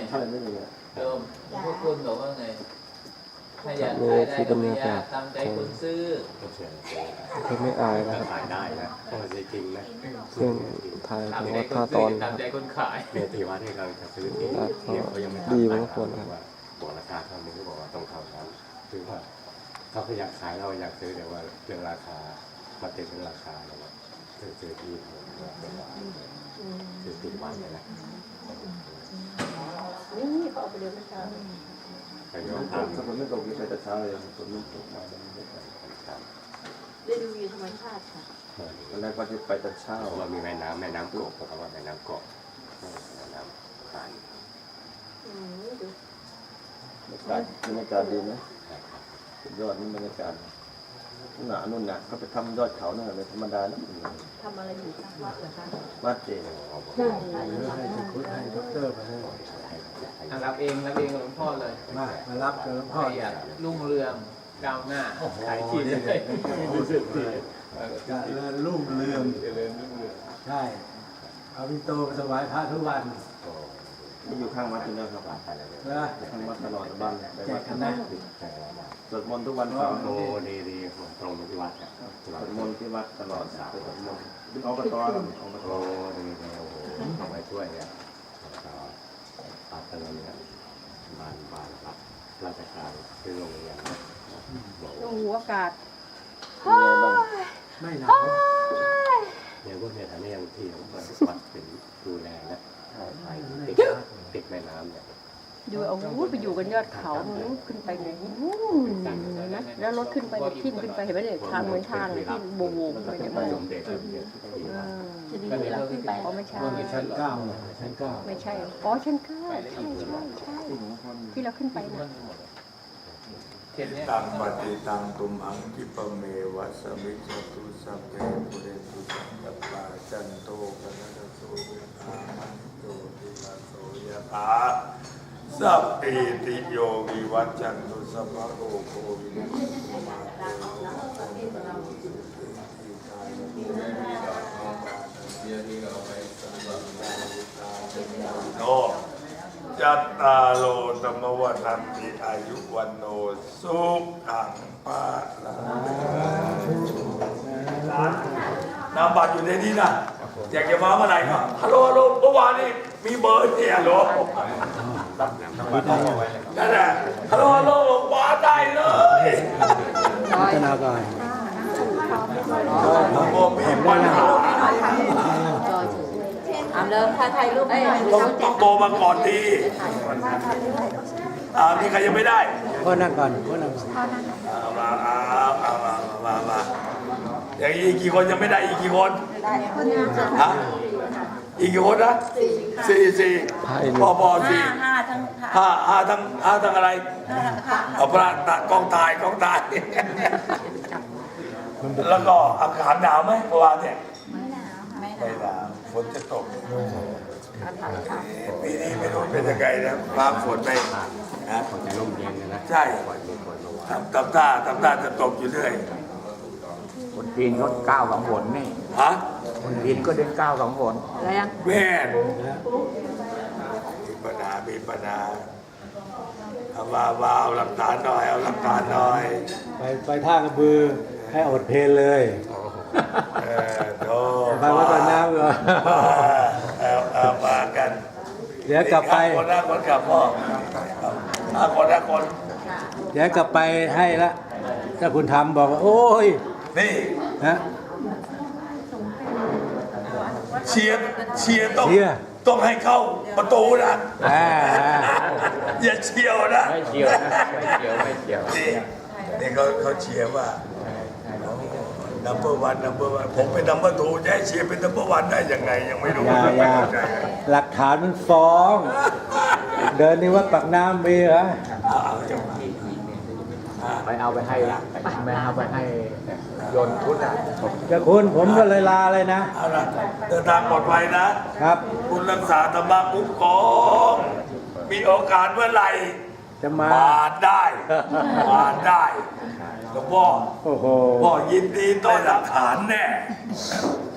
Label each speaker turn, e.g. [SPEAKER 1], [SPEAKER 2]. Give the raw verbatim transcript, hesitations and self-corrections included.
[SPEAKER 1] ใช่ไม่มีอ่ะ
[SPEAKER 2] โยมพวกคุณบอกว่าไงถ้าอยากขายได้ก็ไม่ยากตามใจคนซื้อ
[SPEAKER 3] เขาไม่อายนะครับ
[SPEAKER 4] ขายได้นะเพราะจริงนะ
[SPEAKER 3] เรื่องไทยผมว่าถ้าตอนค
[SPEAKER 2] ตา
[SPEAKER 3] รับ
[SPEAKER 2] มใจคนขาย
[SPEAKER 4] เมียตีวัดให้เราจะซื้อที่เนี่ยเขายังไม่ทำ
[SPEAKER 3] ดีบางคนครับ
[SPEAKER 4] บอกราคาเท่านี้ก็บอกว่าต้องเท่านั้นคือว่าเขาก็อยากขายเราอยากซื้อแต่ว่าเรื่องราคามาติดเรื่องราคาแล้วซื้อซื้อที่ซื้อติดวันเลยนะ
[SPEAKER 5] นี่เขาเอาไปเลี้ยงเช้า
[SPEAKER 4] แต่ยอมทำ
[SPEAKER 1] ถ้าคนไม่ตกไปแต่เช้าเลยคนไม่ตกมาแล้วไม่ได้
[SPEAKER 5] ได้ดูวิวธรรมชาติค่ะ
[SPEAKER 1] ตอนแรกว่าจะไปแต่เช้า
[SPEAKER 4] เพราะว่ามีแม่น้ำแม่น้ำกบเพราะว่าแม่น้ำกบแม่น้ำผ่าน
[SPEAKER 5] อืมดู
[SPEAKER 1] บรรยากาศบรรยากาศดีไหมสุดยอดนี่บรรยากาศหนานุ่นหนักก็ไปทำยอดเขานั่นเลยธรรมดานะ
[SPEAKER 5] ทำอะไรอยู่ที่วัดเหรอคะ
[SPEAKER 1] วัดเจดีย์
[SPEAKER 2] รับเองรับเองกับหลวงพ่อเลย
[SPEAKER 6] มามารับกับหลวงพ่อ
[SPEAKER 2] อยากรุ่งเรืองก้าวหน้าขายที่เลย
[SPEAKER 6] รู้สึกเลยจะเริญรุ่งเรืองใช่เอาวิโตไปถวายพระทุกวัน
[SPEAKER 1] ที่อยู่ข้างวัดที่นั่นครับ
[SPEAKER 6] นะ
[SPEAKER 1] ข้างวัดตลอดบ้านไปวัดกันนะสวดมนต์ทุกวันเสาร์
[SPEAKER 4] โอ้ดีดีตรงที่วัด
[SPEAKER 1] สวดมนต์ที่วัดตลอดไปสวดมนต์ที่อบตครับอบต
[SPEAKER 4] โอ้ดีดีโอ้โหเอาไว้ช่วยเนี่ยปัดตลอดเนี่ยบ้านบ้านรับราชการคือโรงเรียน
[SPEAKER 5] ลงหัวอากาศ
[SPEAKER 6] ไม่หนาว
[SPEAKER 4] เนี่ยพวกเนี่ยทำให้ยังที่ของวัดเป็นดูแลนะติดติดแม่น้ำเนี่ย
[SPEAKER 5] ดูเอาวุ้ไปอยู่กันยอดเขาขึ้นไปไงนะแล้วรถขึ้นไปทิ่มขึ้นไปเห็นไหมเนี่ยทางเหมือนทางที่โบว์ไปเนี่ยมันจะดีเวลาขึ้นไปอ๋อไม่ใช่
[SPEAKER 6] ชั้นเก้าชั้นเก้า
[SPEAKER 5] ไม่ใช่อ๋อชั้นเก้าใช่ใช่ใช่ที่เราขึ้นไปนะ
[SPEAKER 7] ตังปฏิตังตุมหังคิปเมวัสมิจตุสัพเพปุเรตุสังกปาจันโตปนัสโสยถามันโยติลาโสยถาสัพพิติโยวิวัจจันตุสัพพะโอโควินัสตุมาเตโนจัตตาโลธรรมวัฏันติอายุวันโนสุขังปะละนามบัตรอยู่ในนี้นะอยากจะมาเมื่อไหร่ก็ฮัลโหลฮัลโหลเมื่อวานนี้มีเบอร์เนี่ยฮัลโหลนั่นแหละฮัลโหลฮัลโหลมาได้เลย
[SPEAKER 6] พัฒนาการ
[SPEAKER 7] ผมมีปัญหา
[SPEAKER 5] ถามเลยถ่ายถ่ายรูปให้
[SPEAKER 7] ต้องต้องโตมาก่อนดีอ่ามีใครยังไม่ได้
[SPEAKER 6] พ่อนั่งก่อนพ่อนั่งก่อน
[SPEAKER 7] เอามาเอาเอามามามาอย่างอีกกี่คนยังไม่ได้อีกกี่คนฮะอีกกี่คนนะสี่สี่พอพอสี่ห้าทั้งห้าห้าทั้งห้าทั้งอะไรเอาพระตะกองตายกองตายแล้วก็อากาศหนาวไหมเมื่อวานเนี่ยไม่หนาวฝนจะตกปีนี้ไม่รู้เป็นยังไงนะฟ้าฝนไม่นะ
[SPEAKER 4] จะร่มเย็นนะ
[SPEAKER 7] ใช่ทำตำท่าทำท่าจะตกอยู่เรื่อย
[SPEAKER 8] คนจีนเขาก้าวสองหนนี่
[SPEAKER 7] ฮะ
[SPEAKER 8] คนจีนก็เดินก้าวสองหน
[SPEAKER 5] อะไรอ่ะ
[SPEAKER 7] แม่มีปัญหามีปัญหาเอามามาเอาหลักฐานหน่อยเอาหลักฐานหน่อย
[SPEAKER 6] ไปไปท่ากระบือให้อดเพลเลย
[SPEAKER 7] เออโธ่
[SPEAKER 6] ไปวัดตะน้ำเหรอ
[SPEAKER 7] เอาเอามากัน
[SPEAKER 6] เดี๋ยวกลับไป
[SPEAKER 7] คนละคนกลับพ่อห้าคนห้าคน
[SPEAKER 6] เดี๋ยวกลับไปให้ละถ้าคุณทำบอกว่าโอ้ย
[SPEAKER 7] นี่
[SPEAKER 6] ฮะ
[SPEAKER 7] เชียร์เชียร์ต้องต้องให้เข้าประตูนะอย่าเชียวนะ
[SPEAKER 2] ไม่เชียวนะไม่เชียวไม่เชียว
[SPEAKER 7] นี่นี่เขาเขาเชียร์ว่านัมเบอร์วันนัมเบอร์วันผมเป็นนัมเบอร์ทูจะให้เชียร์เป็นนัมเบอร์วันได้ยังไงยังไม่รู้
[SPEAKER 6] หลักฐานมันฟ้องเดินนี่ว่าปักน้ำมีเหรอ
[SPEAKER 8] ไปเอาไปให้ไม่เอาไปให้โยนพุทธอ่ะ
[SPEAKER 6] จะคุณผมก็เลยลาเลยนะ
[SPEAKER 7] เอาละเดินทางปลอดภัยนะครับคุณรักษาธรรมะคุ้มครองมีโอกาสเมื่อไหร่
[SPEAKER 6] จะมา
[SPEAKER 7] มาได้มาได้หลวงพ่อ
[SPEAKER 6] โอ้โห
[SPEAKER 7] พ่อยินดีต้อนรับฐานแน่